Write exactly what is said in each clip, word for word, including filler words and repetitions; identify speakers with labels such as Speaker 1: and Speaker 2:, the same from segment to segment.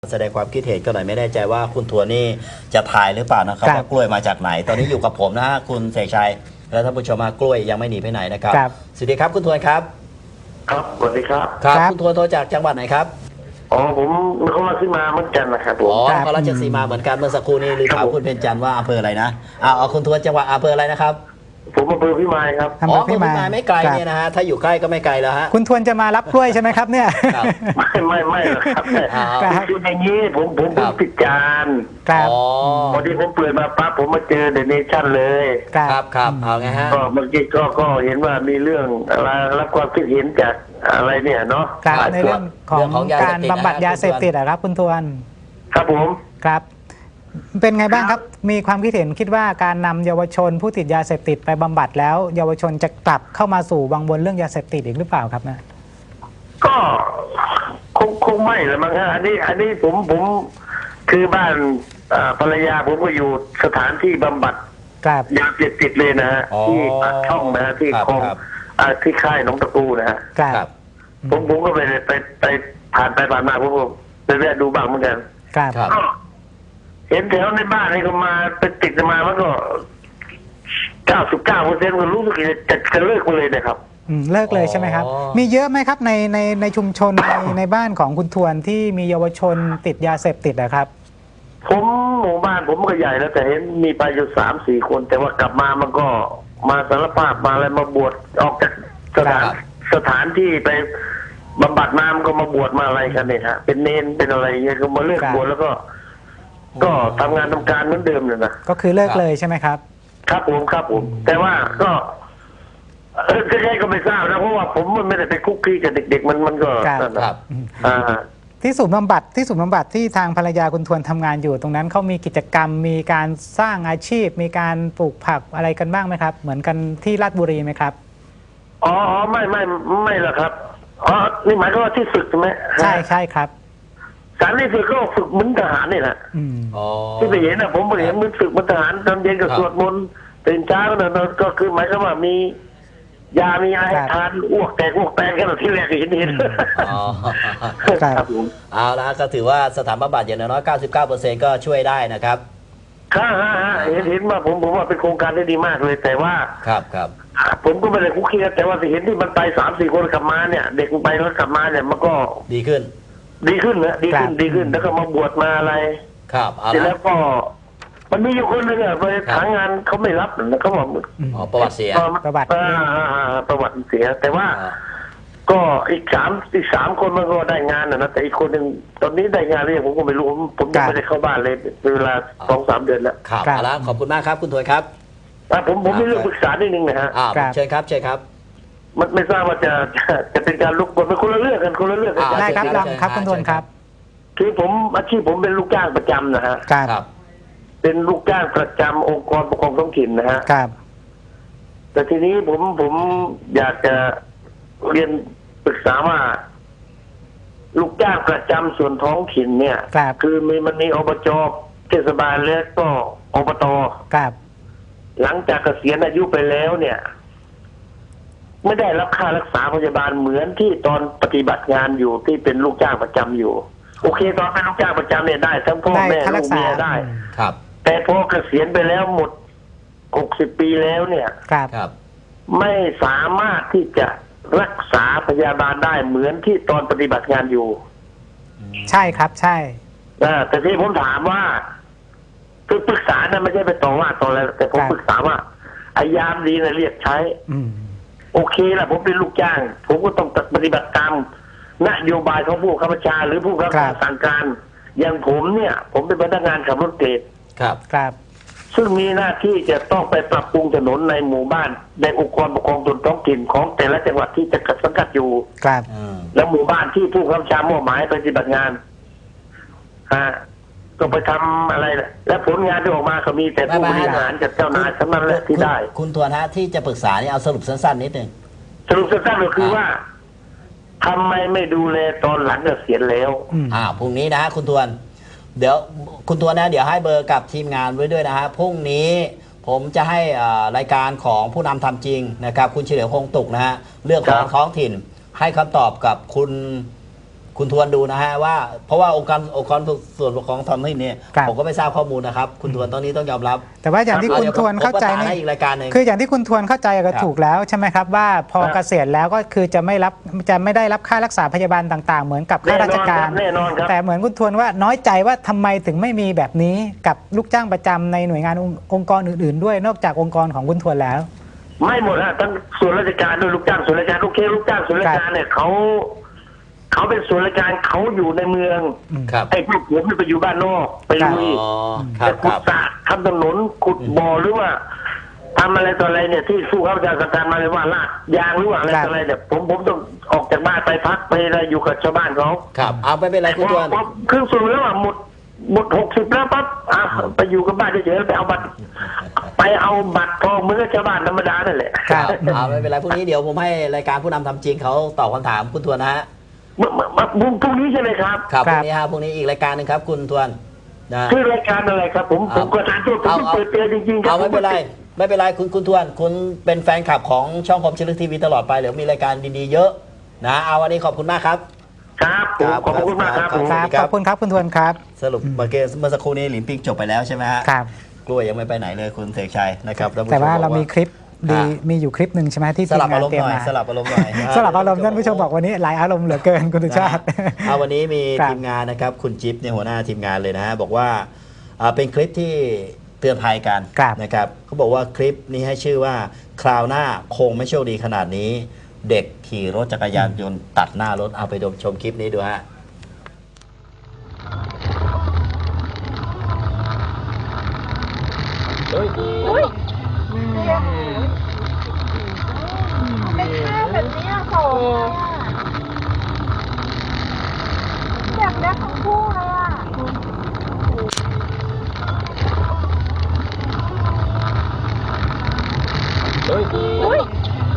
Speaker 1: แสดงความคิดเห็นก็หน่อยไม่แน่ใจว่าคุณทวนนี่จะถ่ายหรือเปล่านะครับว่ากล้วยมาจากไหนตอนนี้อยู่กับผมนะฮะคุณเสกชัยและท่านผู้ชมกล้วยยังไม่หนีไปไหนนะครับสวัสดีครับคุณทวนครับ
Speaker 2: ครับสวัสดีครับ
Speaker 1: ครับคุณทวนโทรจากจังหวัดไหนครับ
Speaker 2: อ๋อผมเขามาขึ้นมาเหมือนกันนะครับผม
Speaker 1: อ๋อนครราชสีมาเหมือนกันเมื่อสักครู่นี้ลืมถามคุณเพ็ญจันทร์ว่าอำเภออะไรนะเอาเอาคุณทวนจังหวัดอำเภออะไรนะครับ
Speaker 2: ผมอำเภอพิมายครับ
Speaker 1: อ๋ออำเภอพิมายไม่ไกลเนี่ยนะฮะถ้าอยู่ใกล้ก็ไม่ไกลแล้วฮะ
Speaker 3: คุณทวนจะมารับกล้วยใช่ไหมครับเนี่ย
Speaker 2: ไม่ไม่ไม่หรอกครับคืออย่างนี้ผมผมผมติดจาน
Speaker 3: ครับ
Speaker 2: พอดีผมเปิดมาปั๊บผมมาเจอเดอะเนชั่นเลย
Speaker 1: ครับครับเอาไงฮะ
Speaker 2: ก็เมื่อกี้ก็ก็เห็นว่ามีเรื่องอะไรรับความคิดเห็นจากอะไรเนี่ยเนาะ
Speaker 3: ในเรื่องของการบำบัดยาเสพติดอะครับคุณทวน
Speaker 2: ครับผม
Speaker 3: ครับเป็นไงบ้างครับมีความคิดเห็นคิดว่าการนำเยาวชนผู้ติดยาเสพติดไปบำบัดแล้วเยาวชนจะกลับเข้ามาสู่วังวนเรื่องยาเสพติดอีกหรือเปล่าครับนะ
Speaker 2: ก็คงคงไม่ละมั้งฮะอันนี้อันนี้ผมผมคือบ้านภรรยาผมก็อยู่สถานที่บำบัดยาเสพติดเลยนะฮะที่ปากช่องนะฮะที่คลองที่ค่ายหนองตะกูนะฮะผมผมก็ไปไปไปผ่านไปผ่านมาผมก็ไปแวะดูบ้างเหมือนกันก็เห็นแถวในบ้านนี่ก็มาไปติดมามันก็เก้าสิบเก้าเปอร์เซ็นต์ก็รู้สึกจะจะเลิกไปเลยนะครับ
Speaker 3: เลิกเลยใช่ไหมครับมีเยอะไหมครับในในในชุมชนในในบ้านของคุณทวนที่มีเยาวชนติดยาเสพติดนะครับ
Speaker 2: ผมหมู่บ้านผมก็ใหญ่แล้วแต่เห็นมีไปอยู่สามสี่คนแต่ว่ากลับมามันก็มาสารภาพมาอะไรมาบวชออกจากสถานสถานที่ไปบำบัดมามันก็มาบวชมาอะไรกันเนี่ยฮะเป็นเนนเป็นอะไรเงี้ยก็มาเลิกบวชแล้วก็ก็ทำงานทำการเหมือนเดิมเลยนะ
Speaker 3: ก็คือเลิกเลยใช่ไหมครับ
Speaker 2: ครับผมครับผมแต่ว่าก็เออใช่ก็ไม่ทราบนะเพราะว่าผมมันไม่ได้ไปคุกคีกับเด็กๆมันมันก็
Speaker 1: ครับ
Speaker 2: อ่า
Speaker 3: ที่ศูนย์บำบัดที่ศูนย์บำบัดที่ทางภรรยาคุณทวนทำงานอยู่ตรงนั้นเขามีกิจกรรมมีการสร้างอาชีพมีการปลูกผักอะไรกันบ้างไหมครับเหมือนกันที่ราชบุรีไหมครับ
Speaker 2: อ๋อไม่ไม่ไม่หรอกครับอ๋อนี่หมายถึงว่าที่ฝึกใช่ไหม
Speaker 3: ใช่ใช่ครับ
Speaker 2: การที่ฝึกก็ฝึกเหมือนทหารนี่แหละที่ไปเห็นนะผมไปเห็นเหมือนฝึกเหมือนทหารตอนเย็นก็สวดมนต์ตื่นเช้าเนี่ยก็คือหมายถึงว่ามียามีอะไรทานอ้วกแตกอ้วกแตกกันหรอที่แรกเห็นเห็น
Speaker 1: ครับผมเอาละก็ถือว่าสถานบำบัดอย่างน้อย เก้าสิบเก้าเปอร์เซ็นต์ ก็ช่วยได้นะครับ
Speaker 2: ครับเห็นเห็นว่าผมผมว่าเป็นโครงการที่ดีมากเลยแต่ว่า
Speaker 1: ครับครับ
Speaker 2: ผมก็ไม่ได้คุกคีแต่ว่าเห็นที่มันไปสามสี่คนกลับมาเนี่ยเด็กไปแล้วกลับมาเนี่ยมันก็
Speaker 1: ดีขึ้น
Speaker 2: ดีขึ้นนะดีขึ้นดีขึ้นแล้วก็มาบวชมาอะไร
Speaker 1: ครับ
Speaker 2: แล้วก็มันมีอยู่คนนึงอ่ะไปหางานเขาไม่รับนะเขาบอก
Speaker 1: อ๋อประวัติเสีย
Speaker 3: ประวัติ
Speaker 2: ประวัติเสียแต่ว่าก็อีกสามอีกสามคนมันก็ได้งานนะแต่อีกคนหนึ่งตอนนี้ได้งานหรือยังผมก็ไม่รู้ผมยังไม่ได้เข้าบ้านเลยเป็นเวลาสองสามเดือนแล้ว
Speaker 1: ครับเอาละขอบคุณมากครับคุณถวยครับ
Speaker 2: ผมผมมีเรื่องปรึกษานิดนึงนะฮะ
Speaker 1: เชิญครับเชิญครับ
Speaker 2: มันไม่ทราบว่าจะจะเป็นการลุกบนเป็นคนละเรื่องกันคนละเรื่องกัน
Speaker 3: ได้ครับลองครับคุณทวนครับ
Speaker 2: คือผมอาชีพผมเป็นลูกจ้างประจำนะฮะ
Speaker 3: ครับ
Speaker 2: เป็นลูกจ้างประจำองค์กรปกครองท้องถิ่นนะฮะ
Speaker 3: ครับ
Speaker 2: แต่ทีนี้ผมผมอยากจะเรียนปรึกษาว่าลูกจ้างประจำส่วนท้องถิ่นเนี่ยคือมีมันมีอบจเทศบาลและก็อบต
Speaker 3: ครับ
Speaker 2: หลังจากเกษียณอายุไปแล้วเนี่ยไม่ได้รับค่ารักษาพยาบาลเหมือนที่ตอนปฏิบัติงานอยู่ที่เป็นลูกจ้างประจำอยู่โอเคตอนเป็นลูกจ้างประจำเนี่ยได้ทั้งพ่อแม่ลูกเมียได้
Speaker 1: ครับ
Speaker 2: แต่พอเกษียณไปแล้วหมดหกสิบปีแล้วเนี่ย
Speaker 3: ครับ
Speaker 2: ไม่สามารถที่จะรักษาพยาบาลได้เหมือนที่ตอนปฏิบัติงานอยู่
Speaker 3: ใช่ครับใช่
Speaker 2: แต่ที่ผมถามว่าคือปรึกษานะไม่ใช่ไปต่อว่าต่ออะไรแต่ผมปรึกษาว่าไอ้ยามดีนะเรียกใช้โอเคละผมเป็นลูกจ้างผมก็ต้องปฏิบัติตามนโยบายของผู้ข้าราชการหรือผู้รับสั่งการอย่างผมเนี่ยผมเป็นพนักงานขับรถเกรด
Speaker 1: ครับ
Speaker 3: ครับ
Speaker 2: ซึ่งมีหน้าที่จะต้องไปปรับปรุงถนนในหมู่บ้านในองค์กรปกครองส่วนท้องถิ่นของแต่ละจังหวัดที่จะสังกัดอยู่
Speaker 3: ครับ
Speaker 2: แล้วหมู่บ้านที่ผู้ข้าราชการมอบหมายปฏิบัติงานฮะก็ไปทำอะไรและผลงานที่ออกมาก็มีแต่ผู้บริหารกับเจ้านายทั้งนั้นแหละที่ได้
Speaker 1: คุณทวนฮะที่จะปรึกษานี่เอาสรุปสั้นๆนิดนึง
Speaker 2: สรุปสั้นๆก็คือว่าทำไมไม่ดูแลตอนหลังเกษียณแล้ว
Speaker 1: อ่าพรุ่งนี้นะคุณทวนเดี๋ยวคุณทวนนะเดี๋ยวให้เบอร์กับทีมงานไว้ด้วยนะฮะพรุ่งนี้ผมจะให้รายการของผู้นำทำจริงนะครับคุณเฉลียวคงตุกนะฮะเรื่องของท้องถิ่นให้คำตอบกับคุณคุณทวนดูนะฮะว่าเพราะว่าองค์การองค์กรส่วนปกครองท้องถิ่นเนี่ย
Speaker 3: ครับ
Speaker 1: ผมก็ไม่ทราบข้อมูลนะครับคุณทวนตอนนี้ต้องยอมรับ
Speaker 3: แต่ว่าอย่างที่คุณทวนเข้าใจ
Speaker 1: ใน
Speaker 3: นี่
Speaker 1: อีกรายการหนึ่ง
Speaker 3: คืออย่างที่คุณทวนเข้าใจก็
Speaker 1: ครับ
Speaker 3: ถูกแล้วใช่ไหมครับว่าพอ
Speaker 2: ครับ
Speaker 3: เกษียณแล้วก็คือจะไม่รับจะไม่ได้รับค่ารักษาพยาบาลต่างๆ เหมือนกับข้าราชการ
Speaker 2: แน่นอนครับ
Speaker 3: แต่เหมือนคุณทวนว่าน้อยใจว่าทำไมถึงไม่มีแบบนี้กับลูกจ้างประจำในหน่วยงานองค์องค์กรอื่นๆ ด้วยนอกจากองค์กรของคุณทวนแล้ว
Speaker 2: ไม่หมดฮะทั้งส่วนราชการด้วยลูกจ้างส่วนราชการโอเคลูกจ้างส่วนราชการเนี่ยเขาเขาเป็นส่วนราชการเขาอยู่ในเมือง
Speaker 1: ครับ
Speaker 2: ไอ้พวกผมเนี่ยไปอยู่บ้านนอกไป
Speaker 3: ครับ
Speaker 2: ลุย
Speaker 1: อ๋อครั
Speaker 2: แต่
Speaker 1: บค
Speaker 2: ขุด
Speaker 1: รับ
Speaker 2: สระทำถนนขุดบ่อหรือว่าทำอะไรต่ออะไรเนี่ยที่สู้เขาจะการมาเลยว่าลาดยางหรือว่าอะไร
Speaker 3: ครับ
Speaker 2: ต่ออะไรเนี่ยผมผมต้องออกจากบ้านไปพักไปอะไรอยู่กับชาวบ้านเขา
Speaker 1: ครับเอาไม่เป็นไรคุณทวน
Speaker 2: พอครึ่งส่วนแล้วอ่ะหมดหมดหกสิบแล้วปั๊บอ่ะไปอยู่กับบ้านเฉยๆไปเอาบัตรไปเอาบัตรทองเหมือนกับชาวบ้านธรรมดานั่นแหละ
Speaker 3: ครับ
Speaker 1: เอาไม่เป็นไรพรุ่งนี้เดี๋ยวผมให้รายการผู้นำทำจริงเขาตอบคำถามคุณทวนนะฮะ
Speaker 2: เมื่อเมื่อเมื่อพรุ่งนี้ใช่ไหมครับ
Speaker 1: ครับ
Speaker 3: ค
Speaker 1: พ
Speaker 3: รับ
Speaker 1: รุ่งนี้ฮะพรุ่งนี้อีกรายการหนึ่งครับคุณทวนนะ
Speaker 2: ชื่อรายการอะไรครับ ผมผมก็ทานตัวผม
Speaker 1: เอา
Speaker 2: เปิดเตือนจริงๆครั
Speaker 1: เอาไม่เป็นไรไม่เป็นไรคุณคุณทวน คุณเป็นแฟนคลับของช่องคมชลึกทีวีตลอดไปเดี๋ยวมีรายการดีๆเยอะนะเอาวันนี้ขอบคุณมากครับ
Speaker 2: ครับผมขอบคุณมากครับผม
Speaker 3: ครับขอบคุณครับคุณทวนครับ
Speaker 1: สรุปเมื่อกี้เมื่อสักครู่นี้หลินปิงจบไปแล้วใช่ไหมฮะ
Speaker 3: ครับ
Speaker 1: กล้วยยังไม่ไปไหนเลยคุณเสกชัยนะครับท่นผู้ช
Speaker 3: แต่ว่า
Speaker 1: บอก
Speaker 3: เรามีคลิปดี
Speaker 1: อ่า
Speaker 3: มีอยู่คลิปหนึ่งใช่ไหมที่
Speaker 1: ส
Speaker 3: ทีม
Speaker 1: ลับ
Speaker 3: งา
Speaker 1: อาน รม
Speaker 3: เต
Speaker 1: ณ์
Speaker 3: รีย
Speaker 1: ห
Speaker 3: ม
Speaker 1: น่อย
Speaker 3: มา
Speaker 1: สลับอารมณ์หน่อย
Speaker 3: สลับอารมณ์ท่านผู้ชมบอกวันนี้หลายอารมณ์เหลือเกินคุณสุชาติ
Speaker 1: เอาวันนี้มี
Speaker 3: ครับ
Speaker 1: ทีมงานนะครับคุณจิ๊บในยหัวหน้าทีมงานเลยนะฮะบอกว่าอ่าเป็นคลิปที่เตือนภัยกัน
Speaker 3: ครับ
Speaker 1: นะครับเขาบอกว่าคลิปนี้ให้ชื่อว่าคราวหน้าคงไม่โชคดีขนาดนี้ เด็กขี่รถจักรยานยนต์ตัดหน้ารถเอาไปดมชมคลิปนี้ดูฮะ
Speaker 4: อุ้ยไม่ฆ่าแบบนี้อะโหอยากได้ทั้งคู่เลยอ่ะ อุ้ย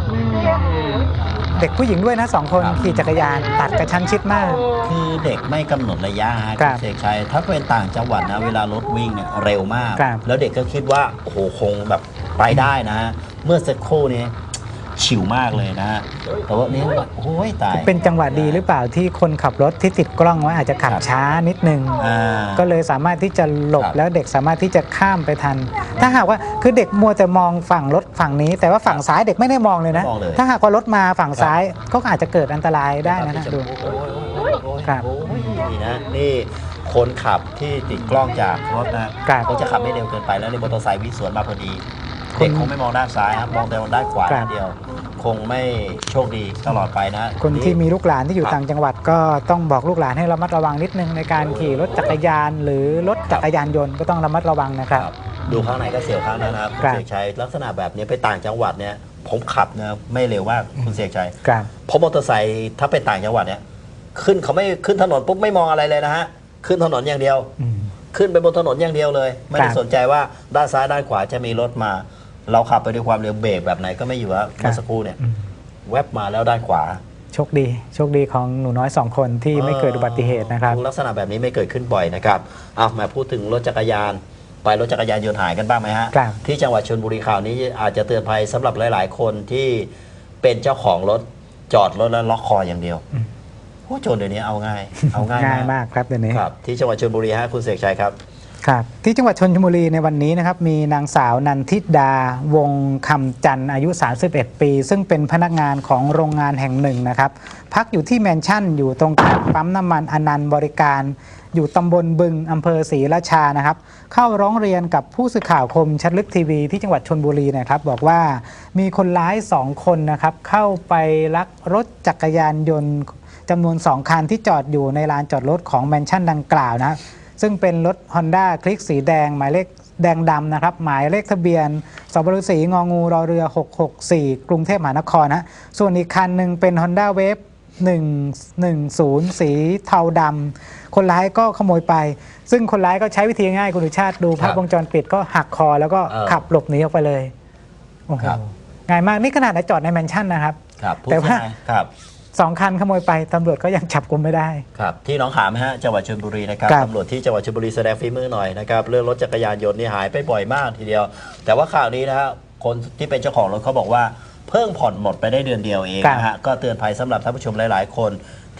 Speaker 3: เด็กผู้หญิงด้วยนะสองคน
Speaker 1: ครับ
Speaker 3: ขี่จักรยานตัดกระชั้นชิดมาก
Speaker 1: คือเด็กไม่กำหนดระยะฮะ
Speaker 3: ครั
Speaker 1: คุ
Speaker 3: บ
Speaker 1: ณเสกชัยถ้าเป็นต่างจังหวัดนะเวลารถวิ่งเนี่ยเร็วมาก
Speaker 3: ครับ
Speaker 1: แล้วเด็กก็คิดว่าโอ้โหคงแบบไปได้นะฮะเมื่อสักครู่นี้ฉิวมากเลยนะฮะแต่ว่านี่โอ้ยตาย
Speaker 3: เป็นจังหวะดีหรือเปล่าที่คนขับรถที่ติดกล้องไว้อาจจะขับ
Speaker 1: ครับ
Speaker 3: ช้านิดนึง
Speaker 1: อ่า
Speaker 3: ก็เลยสามารถที่จะหลบ
Speaker 1: ครับ
Speaker 3: แล้วเด็กสามารถที่จะข้ามไปทัน ถ้าหากว่าคือเด็กมัวแต่มองฝั่งรถฝั่งนี้ แต่ว่าฝั่งซ้ายเด็กไม่ได้มองเลยนะ
Speaker 1: ไม่มองเลย
Speaker 3: ถ้าหากว่ารถมาฝั่งซ้ายก็อาจจะเกิดอันตรายได้นะนะดู
Speaker 1: โอ้ยโอ้ยโอ้ย
Speaker 3: ครับ
Speaker 1: โอ้ยนี่นะนี่คนขับที่ติดกล้องจากรถนะครับ เขาจะขับไม่เร็วเกินไปแล้วในมอเตอร์ไซค์วิ่งสวนมาพอดี
Speaker 3: คน
Speaker 1: เด็กคงไม่มองด้านซ้ายครับมองแต่ด้านขวา
Speaker 3: ครับ
Speaker 1: อย่างเดียว คงไม่โชคดีตลอดไปนะ
Speaker 3: คนที่มีลูกหลานที่อยู่
Speaker 1: ครับ
Speaker 3: ต่างจังหวัดก็ต้องบอกลูกหลานให้ระมัดระวังนิดนึงในการขี่รถจักรยาน หรือรถจักรยานยนต์ก็ต้องระมัดระวังนะครับ
Speaker 1: ดูข้างในก็เสียวข้างนั้นนะครับคุณ
Speaker 3: ครับ
Speaker 1: เสกชัยลักษณะแบบนี้ไปต่างจังหวัดเนี่ยผมขับนะไม่เร็วมากคุณเสกชัย
Speaker 3: ครับ
Speaker 1: เพราะมอเตอร์ไซค์ถ้าไปต่างจังหวัดเนี่ยขึ้นเขาไม่ขึ้นถนนปุ๊บไม่มองอะไรเลยนะฮะขึ้นถนนอย่างเดียว
Speaker 3: อืม
Speaker 1: ขึ้นไปบนถนนอย่างเดียวเลย ไม่ได้
Speaker 3: ครับ
Speaker 1: สนใจว่าด้านซ้ายด้านขวาจะมีรถมา เราขับไปด้วยความเร็วเบรกแบบไหนก็ไม่อยู่แล้ว
Speaker 3: ครับ
Speaker 1: เมื่อสักครู่เนี่ย
Speaker 3: อืม
Speaker 1: แวบมาแล้วด้านขวา
Speaker 3: โชคดีโชคดีของหนูน้อยสองคนที่ไม่เกิดอุบัติเหตุนะครับ
Speaker 1: ลักษณะแบบนี้ไม่เกิดขึ้นบ่อยนะครับเอามาพูดถึงรถจักรยาน ไปรถจักรยานยนต์หายกันบ้างไหมฮะ
Speaker 3: ครับ
Speaker 1: ที่จังหวัดชลบุรีข่าวนี้อาจจะเตือนภัยสำหรับหลาย ๆ คนที่เป็นเจ้าของรถจอดรถแล้วล็อกคออย่างเดียวโอ้โจรเดี๋ยวนี้เอาง่าย เอาง่าย
Speaker 3: ง่ายมากครับเดี๋ยวนี้
Speaker 1: ครับที่จังหวัดชลบุรีฮะคุณเสกชัยครับ
Speaker 3: ครับที่จังหวัดชลบุรีในวันนี้นะครับมีนางสาวนันทิดาวงคำจันทร์อายุ สามสิบเอ็ด ปี ซึ่งเป็นพนักงานของโรงงานแห่งหนึ่งนะครับพักอยู่ที่แมนชั่นอยู่ตรงข้ามปั๊มน้ำมันอนันต์บริการ อยู่ตำบลบึงอำเภอศรีราชานะครับเข้าร้องเรียนกับผู้สื่อข่าวคมชัดลึกทีวีที่จังหวัดชลบุรีนะครับบอกว่ามีคนร้ายสองคนนะครับเข้าไปลักรถจักรยานยนต์จำนวนสองคันที่จอดอยู่ในลานจอดรถของแมนชั่นดังกล่าวนะครับซึ่งเป็นรถ Honda คลิกสีแดงหมายเลขแดงดำนะครับหมายเลขทะเบียนสบศงองูรอเรือหกหกสี่ กรุงเทพมหานครนะส่วนอีกคันหนึ่งเป็น Honda Wave หนึ่งหนึ่งศูนย์ สีเทาดำคนร้ายก็ขโมยไป ซึ่งคนร้ายก็ใช้วิธีง่ายคุณดุชาติดูภาพวงจรปิดก็หักคอแล้วก็
Speaker 1: เออ
Speaker 3: ขับหลบหนีออกไปเลยโอ้โห
Speaker 1: ครับ
Speaker 3: ง่ายมากนี่ขนาดจอดในแมนชั่นนะครับ
Speaker 1: ครับพูด
Speaker 3: แต่ว่า
Speaker 1: ง่ายๆครับ
Speaker 3: สองคันขโมยไปตำรวจก็ยังจับกุมไม่ได้
Speaker 1: ครับที่หน้องขามฮะจังหวัดชลบุรีนะครับ
Speaker 3: ครับ
Speaker 1: ตำรวจที่จังหวัดชลบุรีแสดงฝีมือหน่อยนะครับเรื่องรถจักรยานยนต์นี่หายไปบ่อยมากทีเดียว แต่ว่าข่าวนี้นะฮะคนที่เป็นเจ้าของรถเขาบอกว่าเพิ่งผ่อนหมดไปได้เดือนเดียวเอง
Speaker 3: ครับ
Speaker 1: นะฮะก็เตือนภัยสำหรับท่านผู้ชมหลาย ๆ คน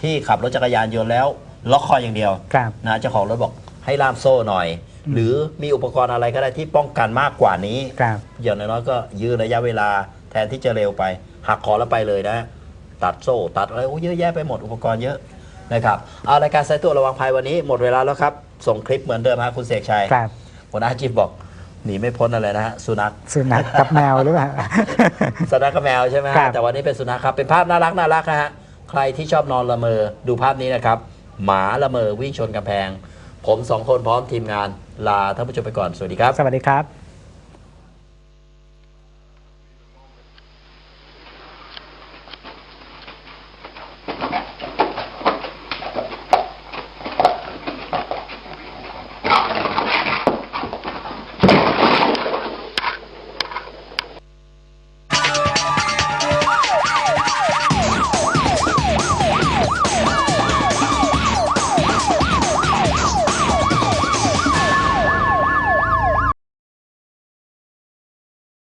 Speaker 1: ที่ขับรถจักรยานยนต์แล้วล็อกคออย่างเดียว
Speaker 3: ครับ
Speaker 1: นะเจ้าของรถบอกให้ล่ามโซ่หน่อย หรือมีอุปกรณ์อะไรก็ได้ที่ป้องกันมากกว่านี้
Speaker 3: ครับ
Speaker 1: อย่างน้อยๆก็ยืดระยะเวลาแทนที่จะเร็วไปหักคอแล้วไปเลยนะ ตัดโซ่ตัดอะไรโอ้เยอะแยะไปหมดอุปกรณ์เยอะนะครับเอารายการสายตรวจระวังภัยวันนี้หมดเวลาแล้วครับ ส่งคลิปเหมือนเดิมฮะคุณเสกชัย
Speaker 3: ครับ
Speaker 1: หัวหน้าจิบบอกหนีไม่พ้นอะไรนะฮะสุนัข
Speaker 3: สุนัขกับแมวหรือเปล่า
Speaker 1: สุนัขกับแมวใช่ไหมฮะ
Speaker 3: ครับ
Speaker 1: แต่วันนี้เป็นสุนัขครับเป็นภาพน่ารักน่ารักนะฮะใครที่ชอบนอนละเมอดูภาพนี้นะครับหมาละเมอวิ่งชนกำแพง ผมสองคนพร้อมทีมงานลาท่านผู้ชมไปก่อนสวัสดีครับ
Speaker 3: สวัสดีครับ